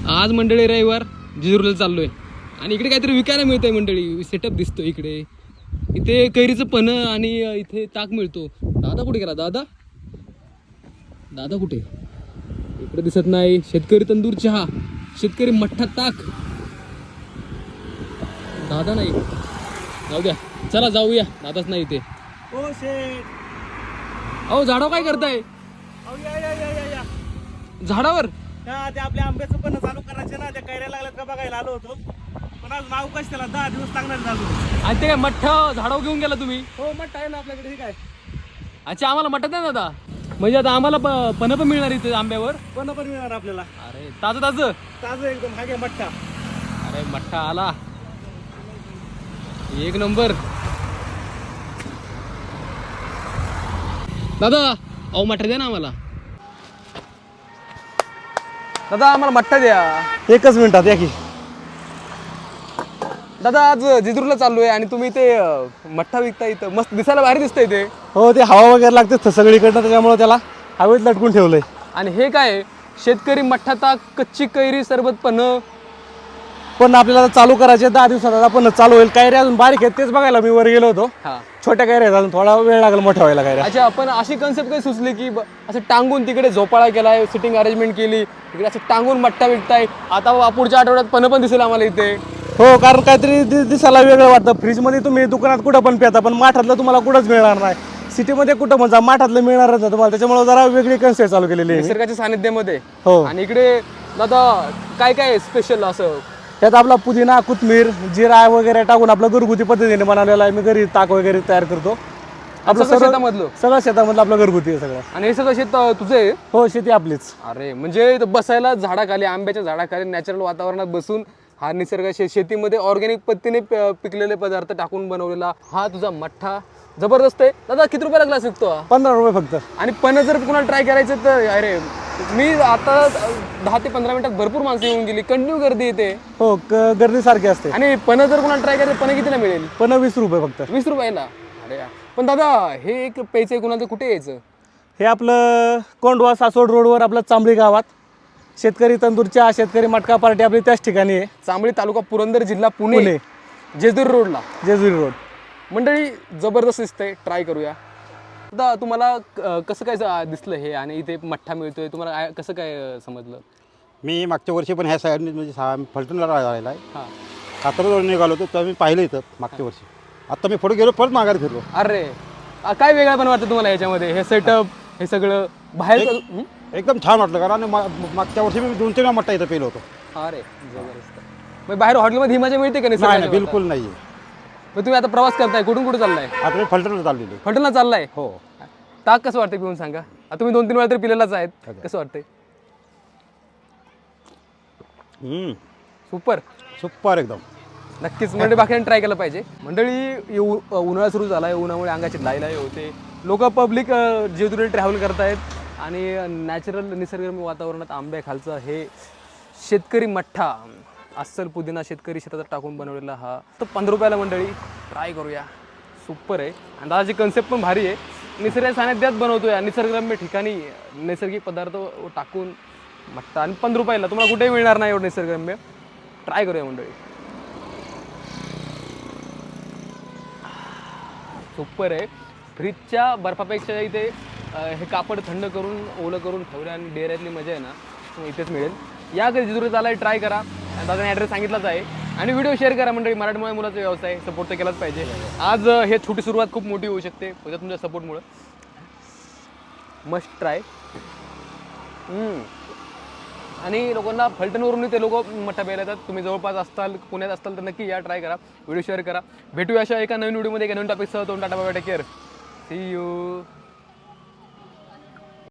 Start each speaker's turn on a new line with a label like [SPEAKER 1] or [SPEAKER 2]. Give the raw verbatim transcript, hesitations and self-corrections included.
[SPEAKER 1] आज मंडळी रविवार जेजुरीला चाललोय आणि इकडे काहीतरी विकायला मिळतंय मंडळी. सेटअप दिसतो इकडे. इथे कैरीचं पन्ह आणि इथे ताक मिळतो. दादा कुठे गेला? दादा दादा कुठे? इकडे दिसत नाही. शेतकरी तंदूर चहा, शेतकरी मठ्ठा ताक. दादा नाही. जाऊ द्या, चला जाऊया. दादाच नाही इथे.
[SPEAKER 2] ओ शेट,
[SPEAKER 1] अहो झाडावर काय करताय?
[SPEAKER 2] अहो या या या या या
[SPEAKER 1] झाडावर?
[SPEAKER 2] हा, ते आपल्या आंब्याचं पण चालू करायचे ना. त्या कैऱ्या लागल्यात का बघायला आलो होतो, पण आज नाव कश त्याला दहा दिवस लागणार झालो.
[SPEAKER 1] आणि ते काय मठ्ठा झाडावर घेऊन गेला तुम्ही?
[SPEAKER 2] हो मठ आहे ना आपल्याकडे. ठीक आहे.
[SPEAKER 1] अच्छा, आम्हाला मठ्ठा द्या ना दादा. म्हणजे आता आम्हाला पन्ह पण मिळणार इथे आंब्यावर?
[SPEAKER 2] पण पण मिळणार आपल्याला.
[SPEAKER 1] अरे ताजं ताजं
[SPEAKER 2] ताजं एकदम. हा घ्या मठ्ठा.
[SPEAKER 1] अरे मठ्ठा आला, एक नंबर. दादा अहो मठ्ठा द्या ना आम्हाला. दादा आम्हाला मठ्ठा द्या.
[SPEAKER 2] एकच मिनिटात या की.
[SPEAKER 1] दादा आज जेजुरीला चाललोय आणि तुम्ही ते मठ्ठा विकता इथं. मस्त दिसायला भारी दिसतंय ते.
[SPEAKER 2] हो, ते हवा वगैरे लागते सगळीकडनं, त्याच्यामुळे त्याला हवेत लटकून ठेवलंय.
[SPEAKER 1] आणि हे काय? शेतकरी मठ्ठा ताक, कच्ची कैरी सरबत पन्ह.
[SPEAKER 2] पण आपल्याला चालू करायचे दहा दिवसात. आपण चालू होईल. कैऱ्या अजून बारीक आहेत, तेच बघायला मी वर गेलो होतो.
[SPEAKER 1] हा,
[SPEAKER 2] छोट्या कैऱ्या आहेत, अजून थोडा वेळ लागेल मोठ्या व्हायला कैऱ्या.
[SPEAKER 1] अच्छा, आपण अशी कन्सेप्ट काही सुचली की ब- असं टांगून तिकडे झोपाळा केलाय, सिटिंग अरेंजमेंट केली, तिकडे असं टांगून मठ्ठा विकताय. आता पुढच्या आठवड्यात पन्ह पण दिसेल आम्हाला इथे.
[SPEAKER 2] हो, कारण काहीतरी दि- दिसायला वेगळं वाटतं. फ्रीजमध्ये तुम्ही दुकानात कुठं पण पिता, पण माठातलं तुम्हाला कुठंच मिळणार नाही. सिटीमध्ये कुठं म्हणजे माठातलं मिळणारच नाही तुम्हाला. त्याच्यामुळे जरा वेगळी कन्सेप्ट चालू केलेली आहे.
[SPEAKER 1] निसर्गाच्या सानिध्यामध्ये.
[SPEAKER 2] हो.
[SPEAKER 1] आणि इकडे दादा काय काय स्पेशल असं?
[SPEAKER 2] त्यात आपला पुदिना, कोथिंबीर, जिरा वगैरे टाकून आपलं घरगुती पद्धतीने बनवलेलं आहे. मी घरी ताक वगैरे तयार करतो. आपलं
[SPEAKER 1] सगळं
[SPEAKER 2] सगळं
[SPEAKER 1] शेतामधलं?
[SPEAKER 2] सगळं शेतामधलं आपलं घरगुती आहे सगळं.
[SPEAKER 1] आणि हे सगळं शेत अं, तुझं आहे?
[SPEAKER 2] हो, शेती आपलीच.
[SPEAKER 1] अरे म्हणजे इथं बसायला झाडाखाली, आंब्याच्या झाडाखाली नॅचरल वातावरणात बसून हा निसर्ग शे शेतीमध्ये ऑर्गॅनिक पद्धतीने प- पिकलेले पदार्थ टाकून बनवलेला हा तुझा मठ्ठा जबरदस्त आहे. दादा किती रुपयाला ग्लास विकतो हा?
[SPEAKER 2] पंधरा रुपये फक्त.
[SPEAKER 1] आणि पन्ह जर कुणाला ट्राय करायचं तर अरे मी आता दहा ते पंधरा मिनिटात भरपूर माणसं येऊन गेली. कंटिन्यू गर्दी येते.
[SPEAKER 2] हो, क- गर्दी सारखी असते.
[SPEAKER 1] आणि पन्ह जर कुणाला ट्राय करायचं, पन्ह कितीला मिळेल?
[SPEAKER 2] पण वीस रुपये फक्त.
[SPEAKER 1] वीस रुपयाला? अरे यार. पण दादा हे एक प्यायचं आहे कुणाला, कुठे यायचं?
[SPEAKER 2] हे आपलं कोंडवा सासवड रोडवर आपलं चांबळी गावात शेतकरी तंदूरच्या शेतकरी मटका पार्टी आपली त्याच ठिकाणी आहे.
[SPEAKER 1] चांबळी तालुका पुरंदर जिल्हा पुणे,
[SPEAKER 2] पुणे.
[SPEAKER 1] जेजुरी रोडला.
[SPEAKER 2] जेजुरी रोड.
[SPEAKER 1] मंडळी जबरदस्त दिसतंय, ट्राय करूया. दादा तुम्हाला अं, कसं काय ज- दिसलं हे आणि इथे मठ्ठा मिळतोय, तुम्हाला आय- कसं काय अं, समजलं?
[SPEAKER 3] मी मागच्या वर्षी पण ह्या साईडने म्हणजे सा फलटणला राहिला आहे.
[SPEAKER 1] हां.
[SPEAKER 3] कात्रजवळ निघालो होतो तेव्हा मी पाहिलं इथं मागच्या वर्षी. आत्ता मी पुढे गेलो, परत माघारी फिरलो.
[SPEAKER 1] अरे अं, काय वेगळं पण वाटतं तुम्हाला याच्यामध्ये? हे सेटअप, हे सगळं बाहेर हं?
[SPEAKER 3] एकदम छान वाटलं, कारण मा- मागच्या वर्षी मी दोन तीन वेळा मट्टा इथं पेलो होतो.
[SPEAKER 1] अरे जबरदस्त. मग बाहेर हॉटेलमध्ये ही मजा मिळते का नाही?
[SPEAKER 3] नाही नाही, बिलकुल नाही आहे.
[SPEAKER 1] मग तुम्ही आता प्रवास करताय, कुठून कुठे चाललाय?
[SPEAKER 3] आता मी फलटणला चाललेलो आहे.
[SPEAKER 1] फलटणला चाललाय?
[SPEAKER 3] हो.
[SPEAKER 1] ताक कसं वाटतंय पिऊन सांगा? आता तुम्ही दोन तीन वेळा तरी पिलेलाच आहेत. कसं वाटतंय?
[SPEAKER 3] हम्म,
[SPEAKER 1] सुपर.
[SPEAKER 3] सुपर एकदम.
[SPEAKER 1] नक्कीच मंडळी बाकी ट्राय केलं पाहिजे. मंडळी ये उ- उन्हाळा सुरू झाला आहे, उन्हामुळे अंगाची लाईलाई होते. लोक पब्लिक जेजुरी ट्रॅव्हल करतायत आणि नॅचरल निसर्गरम्य वातावरणात आंब्याखालचा हे शेतकरी मठ्ठा, अस्सल पुदिना शेतकरी शेतात टाकून बनवलेला हा तर पंधरा रुपयाला. मंडळी ट्राय करूया. सुपर आहे. आणि दादाची कन्सेप्ट पण भारी आहे. निसर्ग सानिध्यात बनवतोय, निसर्गरम्य ठिकाणी नैसर्गिक पदार्थ टाकून मठ्ठा आणि पंधरा रुपयाला तुम्हाला कुठेही मिळणार नाही एवढं निसर्गरम्य. ट्राय करूया मंडळी. सुपर आहे. फ्रीजच्या बर्फापेक्षा इथे अं, हे कापड थंड करून ओलं करून ठेवलं आणि डेऱ्यातली मजा आहे ना तुम्हाला इथेच मिळेल. या कधी जेजुरीत आलाय, ट्राय करा. आणि दादाने ॲड्रेस सांगितलाच आहे. आणि व्हिडिओ शेअर करा मंडळी. मराठमोळ्या मुलाचा व्यवसाय सपोर्ट तर केलाच पाहिजे. आज अं, हे छोटी सुरुवात खूप मोठी होऊ शकते उद्या तुमच्या सपोर्टमुळं. Must try. आणि लोकांना फलटणवरून ते लोक मठ्ठा प्यायला येतात. तुम्ही जवळपास असताल, पुण्यात असताल तर नक्की या, ट्राय करा. व्हिडिओ शेअर करा. भेटूया अशा एका नवीन व्हिडिओमध्ये एका नवीन टॉपिकसह. दोन tata bye, take care. See you.